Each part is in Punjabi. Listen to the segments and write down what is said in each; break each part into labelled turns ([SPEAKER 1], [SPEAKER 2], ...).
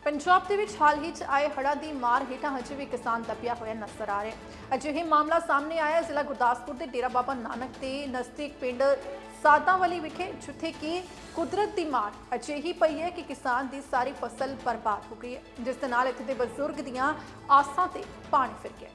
[SPEAKER 1] ਪੰਜਾਬ ਦੇ ਵਿੱਚ ਹਾਲ ਹੀ 'ਚ ਆਏ ਹੜ੍ਹਾਂ ਦੀ ਮਾਰ ਹੇਠਾਂ ਹਜੇ ਵੀ ਕਿਸਾਨ ਦੱਬਿਆ ਹੋਇਆ ਨਜ਼ਰ ਆ ਰਿਹਾ ਹੈ। ਅਜਿਹੇ ਮਾਮਲਾ ਸਾਹਮਣੇ ਆਇਆ ਜ਼ਿਲ੍ਹਾ ਗੁਰਦਾਸਪੁਰ ਦੇ ਡੇਰਾ ਬਾਬਾ ਨਾਨਕ ਦੇ ਨਜ਼ਦੀਕ ਪਿੰਡ ਸਾਦਾਂਵਾਲੀ ਵਿਖੇ, ਜਿੱਥੇ ਕਿ ਕੁਦਰਤ ਦੀ ਮਾਰ ਅਜਿਹੀ ਪਈ ਹੈ ਕਿ ਕਿਸਾਨ ਦੀ ਸਾਰੀ ਫਸਲ ਬਰਬਾਦ ਹੋ ਗਈ ਹੈ, ਜਿਸ ਦੇ ਨਾਲ ਇੱਥੇ ਦੇ ਬਜ਼ੁਰਗ ਦੀਆਂ ਆਸਾਂ ਤੇ ਪਾਣੀ ਫਿਰ ਗਿਆ।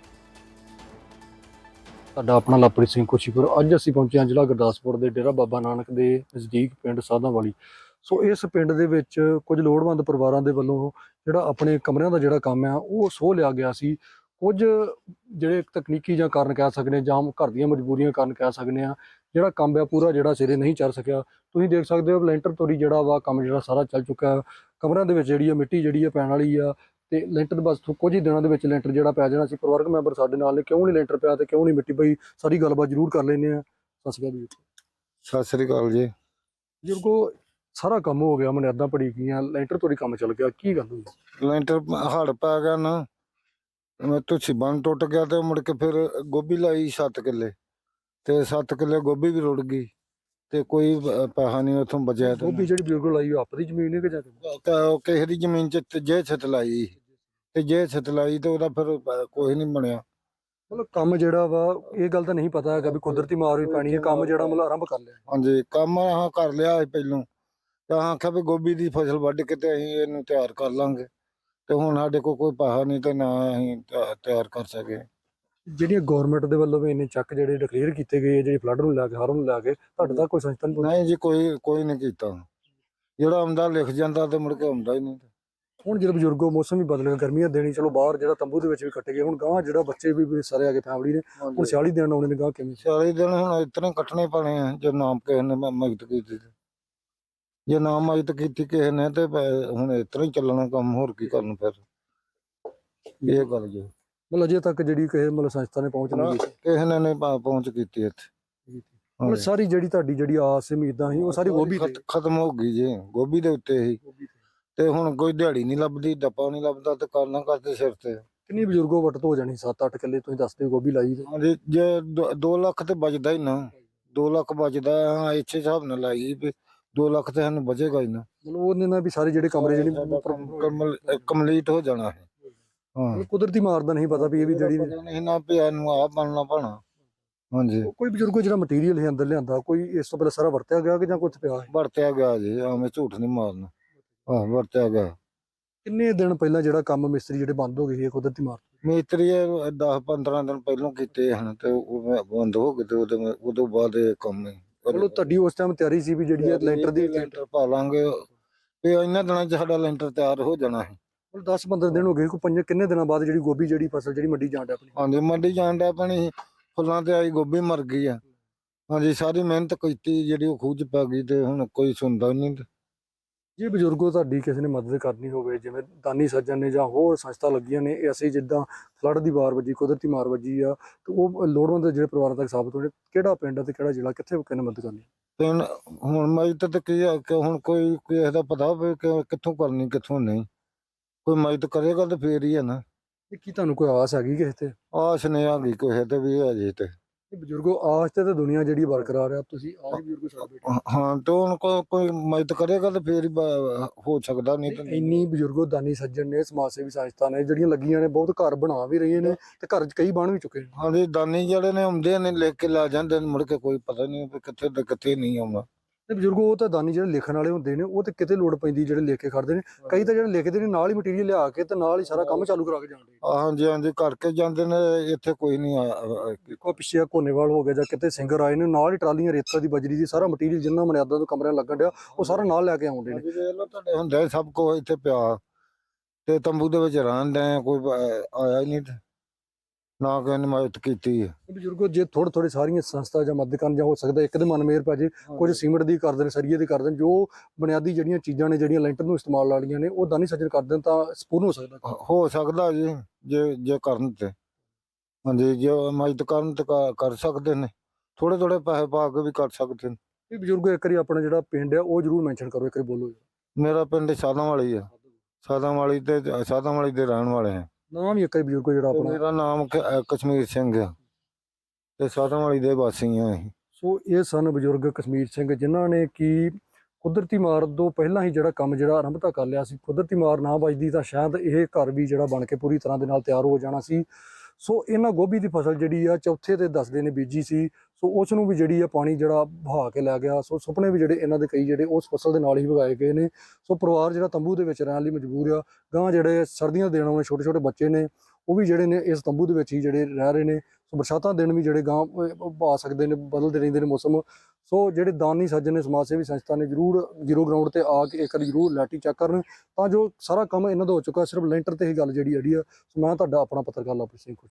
[SPEAKER 2] ਸਾਡਾ ਆਪਣਾ ਲਵਪ੍ਰੀਤ ਸਿੰਘ ਕੋਸ਼ੀਪੁਰ। ਅੱਜ ਅਸੀਂ ਪਹੁੰਚੇ ਹਾਂ ਜ਼ਿਲ੍ਹਾ ਗੁਰਦਾਸਪੁਰ ਦੇ ਡੇਰਾ ਬਾਬਾ ਨਾਨਕ ਦੇ ਨਜ਼ਦੀਕ ਪਿੰਡ ਸਾਦਾਂਵਾਲੀ। ਸੋ ਇਸ ਪਿੰਡ ਦੇ ਵਿੱਚ ਕੁਝ ਲੋੜਵੰਦ ਪਰਿਵਾਰਾਂ ਦੇ ਵੱਲੋਂ ਜਿਹੜਾ ਆਪਣੇ ਕਮਰਿਆਂ ਦਾ ਜਿਹੜਾ ਕੰਮ ਆ ਉਹ ਸੋਹ ਲਿਆ ਗਿਆ ਸੀ। ਕੁਝ ਜਿਹੜੇ ਤਕਨੀਕੀ ਜਾਂ ਕਾਰਨ ਕਹਿ ਸਕਦੇ ਜਾਂ ਘਰ ਦੀਆਂ ਮਜਬੂਰੀਆਂ ਕਾਰਨ ਕਹਿ ਸਕਦੇ ਆ, ਜਿਹੜਾ ਕੰਮ ਆ ਪੂਰਾ ਜਿਹੜਾ ਸਿਰੇ ਨਹੀਂ ਚੜ ਸਕਿਆ। ਤੁਸੀਂ ਦੇਖ ਸਕਦੇ ਹੋ ਲੈਂਟਰ ਤੋਰੀ ਜਿਹੜਾ ਵਾ ਕੰਮ ਜਿਹੜਾ ਸਾਰਾ ਚੱਲ ਚੁੱਕਾ। ਕਮਰਿਆਂ ਦੇ ਵਿੱਚ ਜਿਹੜੀ ਆ ਮਿੱਟੀ ਜਿਹੜੀ ਆ ਪੈਣ ਵਾਲੀ ਆ ਤੇ ਲੈਂਟਰ ਬਸ ਕੁਝ ਹੀ ਦਿਨਾਂ ਦੇ ਵਿੱਚ ਲੈਂਟਰ ਜਿਹੜਾ ਪੈ ਜਾਣਾ ਸੀ। ਪਰਿਵਾਰਕ ਮੈਂਬਰ ਸਾਡੇ ਨਾਲ ਨੇ, ਕਿਉਂ ਨਹੀਂ ਲੈਂਟਰ ਪਿਆ ਤੇ ਕਿਉਂ ਨਹੀਂ ਮਿੱਟੀ ਪਈ, ਸਾਰੀ ਗੱਲਬਾਤ ਜ਼ਰੂਰ ਕਰ ਲੈਂਦੇ ਆ। ਸਤਿ ਸ਼੍ਰੀ ਅਕਾਲ ਜੀ।
[SPEAKER 3] ਸਤਿ ਸ੍ਰੀ ਅਕਾਲ ਜੀ।
[SPEAKER 2] ਬਜ਼ੁਰਗੋ, ਸਾਰਾ ਕੰਮ ਹੋ ਗਿਆ, ਮਨਿਆਦਾਂ ਪੜੀ ਗਈਆਂ, ਲੈਂਟਰ ਤੋਰੀ ਕੰਮ ਚੱਲ ਗਿਆ, ਕੀ ਗੱਲ ਹੋਈ?
[SPEAKER 3] ਲੈਂਟਰ ਹੜ ਪੈ ਗਿਆ ਨਾ, ਤੁਸੀਂ ਬੰਨ ਟੁੱਟ ਗਿਆ ਤੇ ਮੁੜ ਕੇ ਫਿਰ ਗੋਭੀ ਲਾਈ 7 ਕਿੱਲੇ ਤੇ 7 ਕਿੱਲੇ ਗੋਭੀ ਵੀ ਰੁੜ ਗਈ ਤੇ ਕੋਈ ਪੈਸਾ ਨਹੀਂ ਉਥੋਂ ਬਚਿਆ।
[SPEAKER 2] ਗੋਭੀ ਜਿਹੜੀ ਬਜ਼ੁਰਗੋ ਲਾਈ ਉਹ ਆਪਣੀ ਜ਼ਮੀਨ ਹੈ ਕਿ ਜਾਂ
[SPEAKER 3] ਕਿਸੇ ਦੀ ਜ਼ਮੀਨ ਚ ਜੇ ਛਿੱਤ ਲਾਈ ਤੇ ਜੇ ਛਿੱਤ ਲਾਈ ਤੇ ਉਹਦਾ ਫਿਰ ਕੋਈ ਨਹੀਂ ਬਣਿਆ।
[SPEAKER 2] ਮਤਲਬ ਕੰਮ ਜਿਹੜਾ ਵਾ ਇਹ ਗੱਲ ਤਾਂ ਨਹੀਂ ਪਤਾ ਹੈਗਾ ਵੀ ਕੁਦਰਤੀ ਮਾਰ ਵੀ ਪੈਣੀ ਹੈ, ਕੰਮ ਜਿਹੜਾ ਮਤਲਬ ਆਰੰਭ ਕਰ ਲਿਆ।
[SPEAKER 3] ਹਾਂਜੀ, ਕੰਮ ਆਹ ਕਰ ਲਿਆ ਪਹਿਲੋਂ ਤਾਂ ਆਖਿਆ ਵੀ ਗੋਭੀ ਦੀ ਫਸਲ ਵੱਢ ਕੇ ਤੇ ਅਸੀਂ ਇਹਨੂੰ ਤਿਆਰ ਕਰ ਲਾਂਗੇ ਤੇ ਹੁਣ ਸਾਡੇ ਕੋਲ ਕੋਈ ਪੈਸਾ ਨਹੀਂ ਤੇ ਨਾ ਅਸੀਂ ਤਿਆਰ ਕਰ ਸਕੇ।
[SPEAKER 2] ਜਿਹੜੀਆਂ ਗਵਰਨਮੈਂਟ ਦੇ ਵੱਲੋਂ ਵੀ ਇੰਨੇ ਚੱਕ ਜਿਹੜੇ ਡਿਕਲੇਅਰ ਕੀਤੇ ਗਏ ਜਿਹੜੀ ਫਲੱਡ ਨੂੰ ਲੈ ਕੇ ਹੜ੍ਹ ਨੂੰ ਲੈ ਕੇ, ਤੁਹਾਡੇ ਤੱਕ ਕੋਈ ਸੰਸਥਾ ਨਹੀਂ?
[SPEAKER 3] ਨਹੀਂ ਜੀ, ਕੋਈ ਨਹੀਂ ਕੀਤਾ। ਜਿਹੜਾ ਆਉਂਦਾ ਲਿਖ ਜਾਂਦਾ ਤੇ ਮੁੜ ਕੇ ਆਉਂਦਾ ਹੀ ਨਹੀਂ।
[SPEAKER 2] ਹੁਣ ਜਦੋਂ ਬਜ਼ੁਰਗੋ ਮੌਸਮ ਵੀ ਬਦਲ ਗਿਆ, ਗਰਮੀਆਂ ਦੇਣੀ, ਚਲੋ ਬਾਹਰ ਜਿਹੜਾ ਤੰਬੂ ਦੇ ਵਿੱਚ ਵੀ ਕੱਟੇ ਗਏ, ਹੁਣ ਗਾਂ ਜਿਹੜਾ ਬੱਚੇ ਵੀ ਸਾਰੇ ਆ ਗਏ ਫੈਮਿਲੀ ਨੇ, ਹੁਣ 40 ਦਿਨ ਆਉਣੇ ਨੇ, ਗਾਂ ਕਿਵੇਂ?
[SPEAKER 3] 40 ਦਿਨ ਹੁਣ ਇਤਨੇ ਕੱਟਣੇ ਪੈਣੇ ਆ ਜੇ ਨਾਮ ਕਿਸੇ ਨੇ ਮਦਦ ਕੀਤੀ ਤੇ। ਜੇ ਨਾ ਮਦਦ ਕੀਤੀ ਕਿਸੇ ਨੇ ਤੇ ਹੁਣ ਇਤਨਾ ਹੀ ਚੱਲਣਾ ਕੰਮ, ਹੋਰ ਕੀ ਕਰਨ ਫਿਰ। ਇਹ ਗੱਲ ਜੀ
[SPEAKER 2] ਮਤਲਬ ਅਜੇ ਤੱਕ ਜਿਹੜੀ ਕਿਸੇ ਮਤਲਬ ਸੰਸਥਾ ਨੇ ਪਹੁੰਚ ਨਹੀਂ ਕੀਤੀ,
[SPEAKER 3] ਕਿਸੇ ਨੇ ਨਹੀਂ ਪਹੁੰਚ ਕੀਤੀ ਇੱਥੇ।
[SPEAKER 2] ਮਤਲਬ ਸਾਰੀ ਜਿਹੜੀ ਤੁਹਾਡੀ ਜਿਹੜੀ ਆਸ ਉਮੀਦਾਂ ਸੀ ਉਹ ਸਾਰੀ ਗੋਭੀ ਤੇ
[SPEAKER 3] ਖਤਮ ਹੋ ਗਈ ਜੀ, ਗੋਭੀ ਦੇ ਉੱਤੇ ਹੀ। ਤੇ ਹੁਣ ਕੋਈ ਦਿਹਾੜੀ ਨਹੀਂ ਲੱਭਦੀ, ਡੱਪਾ ਨਹੀਂ ਲੱਭਦਾ ਤੇ ਕਰਨਾ ਕਰਦੇ ਸਿਰ ਤੇ।
[SPEAKER 2] ਕਿੰਨੀ ਬਜ਼ੁਰਗੋ ਵੱਟ ਹੋ ਜਾਣੀ? 7-8 ਕਿੱਲੇ ਤੁਸੀਂ ਦੱਸਦੇ ਗੋਭੀ ਲਾਈ ਤੇ।
[SPEAKER 3] ਹਾਂਜੀ, ਜੇ 2 ਲੱਖ ਤੇ ਬਚਦਾ ਹੀ ਨਾ, 2 ਲੱਖ ਬਚਦਾ। ਹਾਂ, ਇੱਥੇ ਹਿਸਾਬ ਨਾਲ ਲਾਈ ਵੀ 2 ਲੱਖ ਤੇ ਸਾਨੂੰ ਬਚੇਗਾ ਹੀ ਨਾ।
[SPEAKER 2] ਮਤਲਬ ਉਹਨੇ ਨਾਲ ਵੀ ਸਾਰੇ ਜਿਹੜੇ ਕਮਰੇ ਜਿਹੜੀ
[SPEAKER 3] ਕੰਪਲੀਟ ਹੋ ਜਾਣਾ ਹੈ। ਹਾਂ,
[SPEAKER 2] ਕੁਦਰਤੀ ਮਾਰ ਦਾ ਨਹੀਂ ਪਤਾ ਵੀ ਇਹ ਵੀ ਜਿਹੜੀ
[SPEAKER 3] ਨਹੀਂ ਨਾ ਪਿਆ ਨੂੰ ਆ ਬਣਨਾ ਪੈਣਾ। ਹਾਂਜੀ,
[SPEAKER 2] ਕੋਈ ਬਜ਼ੁਰਗੋ ਜਿਹੜਾ ਮਟੀਰੀਅਲ ਹੈ ਅੰਦਰ ਲਿਆਂਦਾ, ਕੋਈ ਇਸ ਤੋਂ ਪਹਿਲਾਂ ਸਾਰਾ ਵਰਤਿਆ ਗਿਆ ਕਿ ਜਾਂ ਕੁਝ ਪਿਆ ਹੈ?
[SPEAKER 3] ਵਰਤਿਆ ਗਿਆ ਜੀ, ਐਵੇਂ ਝੂਠ ਨਹੀਂ ਮਾਰਨਾ। ਹਾਂ, ਵਰਤਿਆ ਗਿਆ।
[SPEAKER 2] ਕਿੰਨੇ ਦਿਨ ਪਹਿਲਾਂ ਜਿਹੜਾ ਕੰਮ ਮਿਸਤਰੀ ਜਿਹੜੇ ਬੰਦ ਹੋ ਗਏ ਸੀ ਕੁਦਰਤੀ ਮਾਰ?
[SPEAKER 3] ਮਿਸਤਰੀ 10-15 ਦਿਨ ਪਹਿਲਾਂ ਕੀਤੇ ਹਨ ਤੇ ਉਹ ਬੰਦ ਹੋ ਗਏ ਤੇ ਉਦੋਂ ਬਾਅਦ ਇਹ ਕੰਮ ਨਹੀਂ।
[SPEAKER 2] ਮਤਲਬ ਤੁਹਾਡੀ ਉਸ ਟਾਈਮ ਤਿਆਰੀ ਸੀ ਵੀ ਜਿਹੜੀ ਹੈ ਲੈਂਟਰ ਦੀ
[SPEAKER 3] ਲੈਂਟਰ ਪਾ ਲਾਂਗੇ ਤੇ ਇਹਨਾਂ ਦਿਨਾਂ 'ਚ ਸਾਡਾ ਲੈਂਟਰ ਤਿਆਰ ਹੋ ਜਾਣਾ ਹੈ।
[SPEAKER 2] 10-15 ਦਿਨ ਹੋ ਗਏ, ਕੋਈ ਕਿੰਨੇ ਦਿਨਾਂ ਬਾਅਦ ਜਿਹੜੀ ਗੋਭੀ ਜਿਹੜੀ ਫਸਲ ਜਿਹੜੀ ਮੰਡੀ ਜਾਣ ਡਿਆ ਆਪਣੀ?
[SPEAKER 3] ਹਾਂਜੀ, ਮੰਡੀ ਜਾਣ ਡਿਆ ਪਾਣੀ, ਫੁੱਲਾਂ ਤੇ ਆਈ ਗੋਭੀ ਮਰ ਗਈ ਆ। ਹਾਂਜੀ, ਸਾਰੀ ਮਿਹਨਤ ਕੀਤੀ ਜਿਹੜੀ ਉਹ ਖੂਹ 'ਚ ਪੈ ਗਈ ਤੇ ਹੁਣ ਕੋਈ ਸੁਣਦਾ ਨਹੀਂ।
[SPEAKER 2] ਜੇ ਬਜ਼ੁਰਗੋ ਤੁਹਾਡੀ ਕਿਸੇ ਨੇ ਮਦਦ ਕਰਨੀ ਹੋਵੇ, ਜਿਵੇਂ ਦਾਨੀ ਸੱਜਣ ਨੇ ਜਾਂ ਹੋਰ ਸੰਸਥਾ ਲੱਗੀਆਂ ਨੇ, ਇਹ ਅਸੀਂ ਜਿੱਦਾਂ ਫਲੱਡ ਦੀ ਮਾਰ ਵੱਜੀ, ਕੁਦਰਤੀ ਮਾਰ ਵੱਜੀ ਆ, ਤੇ ਉਹ ਲੋੜਵੰਦ ਜਿਹੜੇ ਪਰਿਵਾਰਾਂ ਤੱਕ ਸਾਬਤ ਹੋਣੇ, ਕਿਹੜਾ ਪਿੰਡ ਤੇ ਕਿਹੜਾ ਜ਼ਿਲ੍ਹਾ, ਕਿੱਥੇ ਕਿਹਨੇ ਮਦਦ ਕਰਨੀ?
[SPEAKER 3] ਤੇ ਹੁਣ ਮਦਦ ਤੇ ਕੀ ਆ ਕਿ ਹੁਣ ਕੋਈ ਕਿਸੇ ਦਾ ਪਤਾ ਹੋਵੇ ਕਿ ਕਿੱਥੋਂ ਕਰਨੀ ਕਿੱਥੋਂ ਨਹੀਂ। ਕੋਈ ਮਦਦ ਕਰੇਗਾ ਤੇ ਫੇਰ ਹੀ ਹੈ ਨਾ।
[SPEAKER 2] ਇਹ ਕੀ ਤੁਹਾਨੂੰ ਕੋਈ ਆਸ ਹੈਗੀ ਕਿਸੇ ਤੇ?
[SPEAKER 3] ਆਸ ਨਹੀਂ ਹੈਗੀ ਕਿਸੇ ਤੇ ਵੀ ਅਜੇ ਤੇ।
[SPEAKER 2] ਇਹ ਬਜ਼ੁਰਗੋ ਆਸ ਤੇ ਦੁਨੀਆ ਜਿਹੜੀ ਬਰਕਰਾਰ ਆ, ਤੁਸੀਂ ਆਹ ਬਜ਼ੁਰਗੋ ਛੱਡ ਬੈਠੇ।
[SPEAKER 3] ਹਾਂ, ਤੇ ਹੁਣ ਕੋਈ ਮਦਦ ਕਰੇਗਾ ਤੇ ਫੇਰ ਹੀ ਹੋ ਸਕਦਾ, ਨਹੀਂ ਤਾਂ
[SPEAKER 2] ਇੰਨੀ ਬਜ਼ੁਰਗੋ ਦਾਨੀ ਸੱਜਣ ਨੇ, ਸਮਾਜ ਸੇਵੀ ਸੰਸਥਾ ਨੇ ਜਿਹੜੀਆਂ ਲੱਗੀਆਂ ਨੇ, ਬਹੁਤ ਘਰ ਬਣਾ ਵੀ ਰਹੀਆਂ ਨੇ ਤੇ ਘਰ ਕਈ ਬਣ ਵੀ ਚੁੱਕੇ ਨੇ।
[SPEAKER 3] ਹਾਂਜੀ, ਦਾਨੀ ਜਿਹੜੇ ਨੇ ਆਉਂਦੇ ਨੇ ਲਿਖ ਕੇ ਲਾ ਜਾਂਦੇ ਨੇ, ਮੁੜ ਕੇ ਕੋਈ ਪਤਾ ਨਹੀਂ ਵੀ ਕਿੱਥੇ ਤੇ ਕਿੱਥੇ ਨਹੀਂ ਆਉਣਾ।
[SPEAKER 2] ਤੇ ਬਜ਼ੁਰਗੋ ਉਹ ਤਾਂ ਦਾਨੀ ਜਿਹੜੇ ਲਿਖਣ ਵਾਲੇ ਹੁੰਦੇ ਨੇ, ਉਹ ਤੇ ਕਿਤੇ ਲੋੜ ਪੈਂਦੀ ਜਿਹੜੇ ਲਿਖ ਕੇ ਖੜਦੇ ਨੇ। ਕਈ ਤਾਂ ਜਿਹੜੇ ਲਿਖਦੇ ਨੇ ਨਾਲ ਹੀ ਮਟੀਰੀਅਲ ਲਿਆ ਕੇ ਤੇ ਨਾਲ ਹੀ ਸਾਰਾ ਕੰਮ ਚਾਲੂ ਕਰਾ ਕੇ ਜਾਂਦੇ।
[SPEAKER 3] ਹਾਂਜੀ ਹਾਂਜੀ, ਕਰਕੇ ਜਾਂਦੇ ਨੇ। ਇੱਥੇ ਕੋਈ ਨਹੀਂ
[SPEAKER 2] ਕੋਈ ਪਿੱਛੇ ਕੋਨੇਵਾਲ ਹੋ ਗਿਆ ਜਾਂ ਕਿਤੇ ਸਿੰਗਰ ਆਏ ਨੇ, ਨਾਲ ਹੀ ਟਰਾਲੀਆਂ ਰੇਤਾ ਦੀ ਬਜਰੀ ਦੀ ਸਾਰਾ ਮਟੀਰੀਅਲ ਜਿੰਨਾ ਮਨਿਆਦਾਂ ਤੋਂ ਕਮਰਿਆਂ ਲੱਗਣ ਡਿਆ ਉਹ ਸਾਰਾ ਨਾਲ ਲੈ ਕੇ ਆਉਂਦੇ ਨੇ।
[SPEAKER 3] ਤੁਹਾਡੇ ਹੁੰਦਾ ਸਭ ਕੁਝ ਇੱਥੇ ਪਿਆ ਤੇ ਤੰਬੂ ਦੇ ਵਿੱਚ ਰਹਿਣ ਦੇ, ਕੋਈ ਆਇਆ ਹੀ ਨਹੀਂ ਨਾ ਕਿਸੇ ਨੇ ਮਦਦ ਕੀਤੀ ਹੈ।
[SPEAKER 2] ਬਜ਼ੁਰਗੋ, ਜੇ ਥੋੜੇ ਸਾਰੀਆਂ ਸੰਸਥਾ ਜਾਂ ਮਦਦ ਕਰਨ, ਜਾਂ ਹੋ ਸਕਦਾ ਇੱਕ ਦੇ ਮਨ ਮੇਰ ਪੈ ਜੇ, ਕੁਝ ਸੀਮਿੰਟ ਦੀ ਕਰ ਦੇਣ, ਸਰੀਏ ਦੀ ਕਰ ਦੇਣ, ਜੋ ਬੁਨਿਆਦੀ ਜਿਹੜੀਆਂ ਚੀਜ਼ਾਂ ਨੇ ਜਿਹੜੀਆਂ ਲੈਂਟਰ ਨੂੰ ਇਸਤੇਮਾਲ ਵਾਲੀਆਂ ਨੇ, ਉਹ ਦਾਨੀ ਸੱਜਣ ਕਰ ਦੇਣ ਤਾਂ ਸਪੂਰਨ ਹੋ ਸਕਦਾ।
[SPEAKER 3] ਹੋ ਸਕਦਾ ਜੀ, ਜੇ ਕਰਨ ਤੇ। ਹਾਂਜੀ, ਜੇ ਮਦਦ ਕਰਨ ਤੇ ਕਰ ਸਕਦੇ ਨੇ, ਥੋੜੇ ਪੈਸੇ ਪਾ ਕੇ ਵੀ ਕਰ ਸਕਦੇ ਨੇ।
[SPEAKER 2] ਇਹ ਬਜ਼ੁਰਗੋ ਇੱਕ ਵਾਰੀ ਆਪਣਾ ਜਿਹੜਾ ਪਿੰਡ ਹੈ ਉਹ ਜ਼ਰੂਰ ਮੈਂਸ਼ਨ ਕਰੋ, ਇੱਕ ਵਾਰੀ ਬੋਲੋ।
[SPEAKER 3] ਮੇਰਾ ਪਿੰਡ ਸਾਦਾਂਵਾਲੀ ਆ, ਸਾਦਾਂਵਾਲੀ ਦੇ ਰਹਿਣ ਵਾਲੇ ਆ।
[SPEAKER 2] ਨਾਮ ਵੀ ਇੱਕ ਵਾਰੀ ਬਜ਼ੁਰਗੋ ਜਿਹੜਾ ਆਪਣਾ?
[SPEAKER 3] ਮੇਰਾ ਨਾਮ ਕਸ਼ਮੀਰ ਸਿੰਘ ਆ ਤੇ ਸਾਦਾਂਵਾਲੀ ਦੇ ਵਾਸੀ ਆ ਅਸੀਂ।
[SPEAKER 2] ਸੋ ਇਹ ਸਨ ਬਜ਼ੁਰਗ ਕਸ਼ਮੀਰ ਸਿੰਘ, ਜਿਨ੍ਹਾਂ ਨੇ ਕਿ ਕੁਦਰਤੀ ਮਾਰ ਤੋਂ ਪਹਿਲਾਂ ਹੀ ਜਿਹੜਾ ਕੰਮ ਜਿਹੜਾ ਆਰੰਭਤਾ ਕਰ ਲਿਆ ਸੀ। ਕੁਦਰਤੀ ਮਾਰ ਨਾ ਵੱਜਦੀ ਤਾਂ ਸ਼ਾਇਦ ਇਹ ਘਰ ਵੀ ਜਿਹੜਾ ਬਣ ਕੇ ਪੂਰੀ ਤਰ੍ਹਾਂ ਦੇ ਨਾਲ ਤਿਆਰ ਹੋ ਜਾਣਾ ਸੀ। ਸੋ ਇਹਨਾਂ ਗੋਭੀ ਦੀ ਫਸਲ ਜਿਹੜੀ ਆ ਚੌਥੇ ਤੇ 10 ਨੇ ਬੀਜੀ ਸੀ। ਸੋ ਉਸ ਨੂੰ ਵੀ ਜਿਹੜੀ ਆ ਪਾਣੀ ਜਿਹੜਾ ਵਹਾ ਕੇ ਲੈ ਗਿਆ। ਸੋ ਸੁਪਨੇ ਵੀ ਜਿਹੜੇ ਇਹਨਾਂ ਦੇ ਕਈ ਜਿਹੜੇ ਉਸ ਫਸਲ ਦੇ ਨਾਲ ਹੀ ਵਗਾਏ ਗਏ ਨੇ। ਸੋ ਪਰਿਵਾਰ ਜਿਹੜਾ ਤੰਬੂ ਦੇ ਵਿੱਚ ਰਹਿਣ ਲਈ ਮਜਬੂਰ ਆ। ਗਾਂ ਜਿਹੜੇ ਸਰਦੀਆਂ ਦੇਣ ਵਾਲੇ ਛੋਟੇ ਛੋਟੇ ਬੱਚੇ ਨੇ ਉਹ ਵੀ ਜਿਹੜੇ ਨੇ ਇਸ ਤੰਬੂ ਦੇ ਵਿੱਚ ਹੀ ਜਿਹੜੇ ਰਹਿ ਰਹੇ ਨੇ। ਸੋ ਬਰਸਾਤਾਂ ਦਿਨ ਵੀ ਜਿਹੜੇ ਗਾਂ ਆ ਸਕਦੇ ਨੇ, ਬਦਲਦੇ ਰਹਿੰਦੇ ਨੇ ਮੌਸਮ। ਸੋ ਜਿਹੜੇ ਦਾਨੀ ਸੱਜਣ ਨੇ, ਸਮਾਜ ਸੇਵੀ ਸੰਸਥਾ ਨੇ, ਜ਼ਰੂਰ ਜ਼ੀਰੋ ਗਰਾਊਂਡ ਤੇ ਆ ਕੇ ਇੱਕ ਵਾਰੀ ਜ਼ਰੂਰ ਲੈਟੀ ਚੈੱਕ ਕਰਨ ਤਾਂ ਜੋ ਸਾਰਾ ਕੰਮ ਇਹਨਾਂ ਦਾ ਹੋ ਚੁੱਕਾ। ਸਿਰਫ ਲੈਂਟਰ ਤੇ ਹੀ ਗੱਲ ਜਿਹੜੀ ਆ। ਸੋ ਮੈਂ ਤੁਹਾਡਾ ਆਪਣਾ ਪੱਤਰਕਾਰ ਲਵਪ੍ਰੀਤ ਸਿੰਘ।